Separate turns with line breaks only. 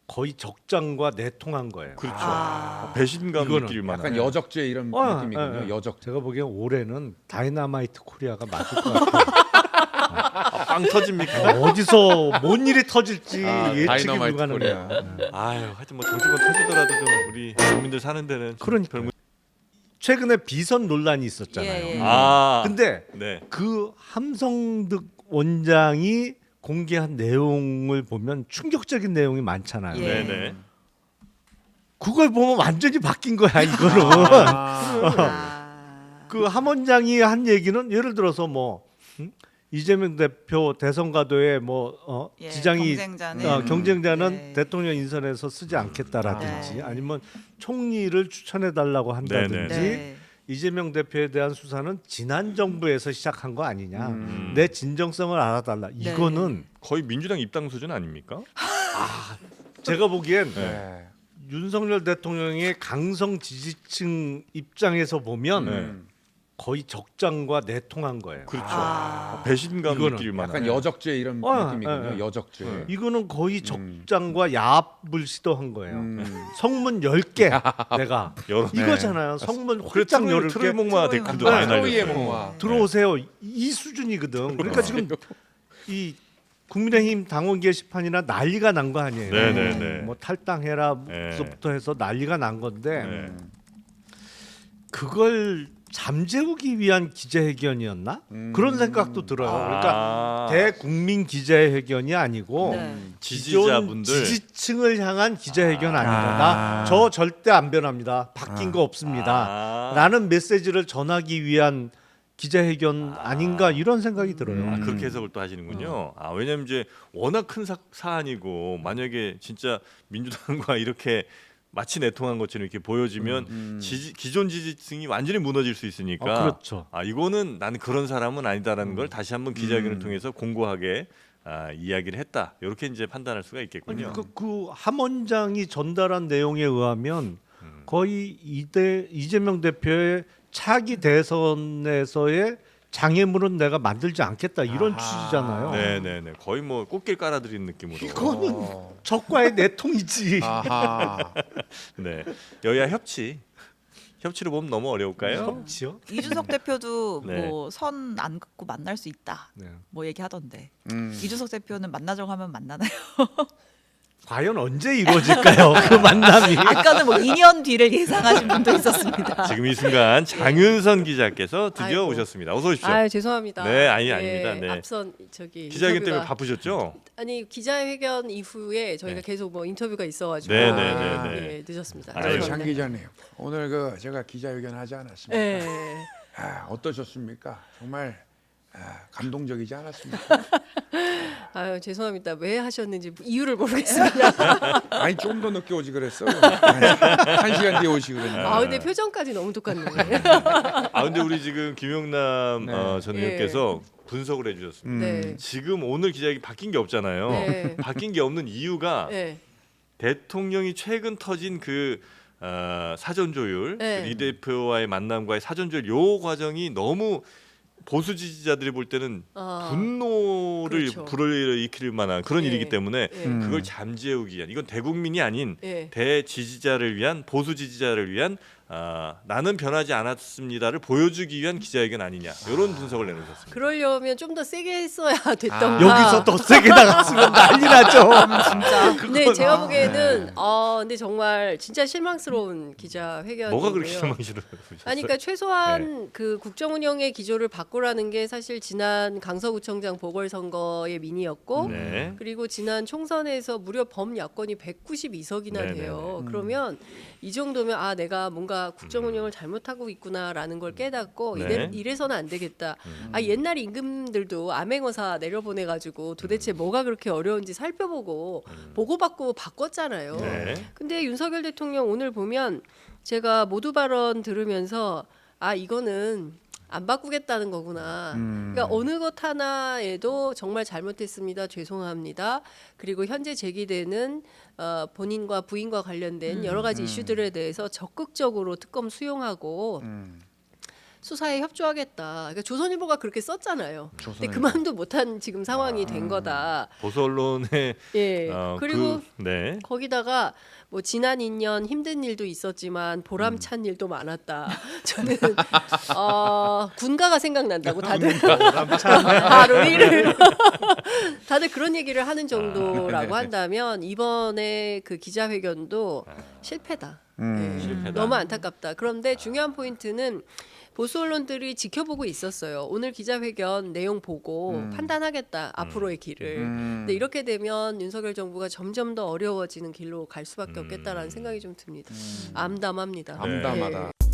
거의 적장과 내통한 거예요.
그렇죠.
아.
배신감
이거는
느낄 만한.
약간 여적죄 이런 느낌이군요. 여적.
제가 보기엔 올해는 다이너마이트 코리아가 맞을 것 같아요.
빵 터집니까?
어디서 뭔 일이 터질지 예측이
다이너마이트
불가능해요.
코리아.
아유, 하여튼 뭐 정치권 터지더라도 좀 우리 국민들 사는 데는
그러니까
별
최근에 비선 논란이 있었잖아요.
예.
아,
근데
네.
그 함성득 원장이 공개한 내용을 보면 충격적인 내용이 많잖아요.
예.
네네.
그걸 보면 완전히 바뀐 거야 이거는.
아.
그 함 원장이 한 얘기는 예를 들어서 뭐 이재명 대표 대선 가도에 뭐
예,
지장이
경쟁자는,
경쟁자는
예.
대통령 인선에서 쓰지 않겠다라든지
네.
아니면 총리를 추천해 달라고 한다든지
네.
이재명 대표에 대한 수사는 지난 정부에서 시작한 거 아니냐.
음.
내 진정성을 알아달라.
네.
이거는
거의 민주당 입당 수준 아닙니까?
제가 보기엔
네.
윤석열 대통령의 강성 지지층 입장에서 보면
네.
거의 적장과 내통한 거예요.
그렇죠.
아.
배신감
이거는
느낄 만한.
약간 여적죄 이런 느낌이군요.
예.
여적죄.
네.
이거는 거의 적장과 야합을 시도한 거예요.
음.
성문 10개 내가
여러
이거잖아요. 성문
그래
활짝
트로이
10개
목마
트로이
댓글도
목마.
많이
트로이의
날렸어요.
목마.
들어오세요. 이 수준이거든. 그러니까 지금 이 국민의힘 당원 게시판이나 난리가 난 거 아니에요.
네네네.
뭐 탈당해라부터 해서 난리가 난 건데
네.
그걸 잠재우기 위한 기자회견이었나? 그런 생각도 들어요. 그러니까 대국민 기자회견이 아니고
네.
기존
지지자분들
지지층을 향한 기자회견 아니다. 저 절대 안 변합니다. 바뀐 거 없습니다. 라는 메시지를 전하기 위한 기자회견 아닌가 이런 생각이 들어요.
아, 그렇게 해석을 또 하시는군요. 아, 왜냐면 이제 워낙 큰 사안이고 만약에 진짜 민주당과 이렇게 마치 내통한 것처럼 이렇게 보여지면 기존 지지층이 완전히 무너질 수 있으니까.
그렇죠.
아, 이거는 나는 그런 사람은 아니다라는 걸 다시 한번 기자회견을 통해서 공고하게 이야기를 했다. 이렇게 이제 판단할 수가 있겠군요.
그 함원장이 전달한 내용에 의하면 거의 이재명 대표의 차기 대선에서의 장애물은 내가 만들지 않겠다 이런 취지잖아요.
네네네. 거의 뭐 꽃길 깔아드리는 느낌으로.
이거는 적과의 내통이지.
아하.
네. 여야 협치로 보면 너무 어려울까요?
그렇지요.
이준석 대표도
네.
뭐 선 안 긋고 만날 수 있다.
네.
뭐 얘기하던데.
음.
이준석 대표는 만나자고 하면 만나나요?
과연 언제 이루어질까요? 그 만남이.
아까는 뭐 2년 뒤를 예상하신 분도 있었습니다.
지금 이 순간 장윤선 기자께서 드디어
아이고.
오셨습니다. 어서 오십시오.
아 죄송합니다.
네, 아닙니다. 네.
앞선 저기
기자회견 때문에
인터뷰가-
바쁘셨죠?
아니 기자회견 이후에 저희가
네.
계속 뭐 인터뷰가 있어가지고
네,
네,
네, 네.
예, 늦었습니다.
아유,
장
죄송합니다.
기자님 오늘 제가 기자회견 하지 않았습니까?
예.
어떠셨습니까? 정말 감동적이지 않았습니까?
아유 죄송합니다. 왜 하셨는지 이유를 모르겠습니다.
아니 좀 더 늦게 오지 그랬어. 한 시간 뒤에 오시 그랬는데.
아 근데 표정까지 너무 똑같네.
아 근데 우리 지금 김용남
네.
전 의원께서 분석을 해주셨습니다.
네.
지금 오늘 기자회견 바뀐 게 없잖아요.
네.
바뀐 게 없는 이유가
네.
대통령이 최근 터진 그 사전 조율,
네.
이 대표와의 만남과의 사전 조율 요 과정이 너무 보수 지지자들이 볼 때는 분노를
그렇죠.
불러일으킬 만한 그런
예.
일이기 때문에
예.
그걸 잠재우기 위한 이건 대국민이 아닌
예.
대지지자를 위한 보수 지지자를 위한 나는 변하지 않았습니다를 보여주기 위한 기자회견 아니냐 이런 분석을 내놓으셨습니다.
그러려면 좀 더 세게 했어야 됐던가.
여기서 더 세게 나갔으면 난리 나죠.
진짜.
근데 제가 보기에는 근데 정말 진짜 실망스러운 기자회견이고요.
뭐가 그렇게 실망스러워요?
아니 그러니까 최소한 그 국정 운영의 기조를 바꾸라는 게 사실 지난 강서구청장 보궐선거의 민의였고
네.
그리고 지난 총선에서 무려 범야권이 192석이나
네네네.
돼요. 그러면 이 정도면 내가 뭔가 국정 운영을 잘못하고 있구나라는 걸 깨닫고
네.
이래서는 안 되겠다. 옛날 임금들도 암행어사 내려보내 가지고 도대체 뭐가 그렇게 어려운지 살펴보고 보고받고 바꿨잖아요.
네.
근데 윤석열 대통령 오늘 보면 제가 모두 발언 들으면서 이거는 안 바꾸겠다는 거구나. 그러니까 어느 것 하나에도 정말 잘못했습니다. 죄송합니다. 그리고 현재 제기되는 본인과 부인과 관련된 여러 가지 이슈들에 대해서 적극적으로 특검 수용하고 수사에 협조하겠다. 그러니까 조선일보가 그렇게 썼잖아요. 근데
조선일보.
그 마음도 못한 지금 상황이 된 거다.
보수 언론의
예. 그리고
네.
거기다가 뭐 지난 2년 힘든 일도 있었지만 보람찬 일도 많았다. 저는 군가가 생각난다고 다들 하루 일을 다들 그런 얘기를 하는 정도라고 한다면 이번에 그 기자회견도 실패다. 예.
실패다.
너무 안타깝다. 그런데 중요한 포인트는 보수 언론들이 지켜보고 있었어요. 오늘 기자회견 내용 보고 판단하겠다. 앞으로의 길을. 근데 이렇게 되면 윤석열 정부가 점점 더 어려워지는 길로 갈 수밖에 없겠다라는 생각이 좀 듭니다. 암담합니다.
암담하다.
예.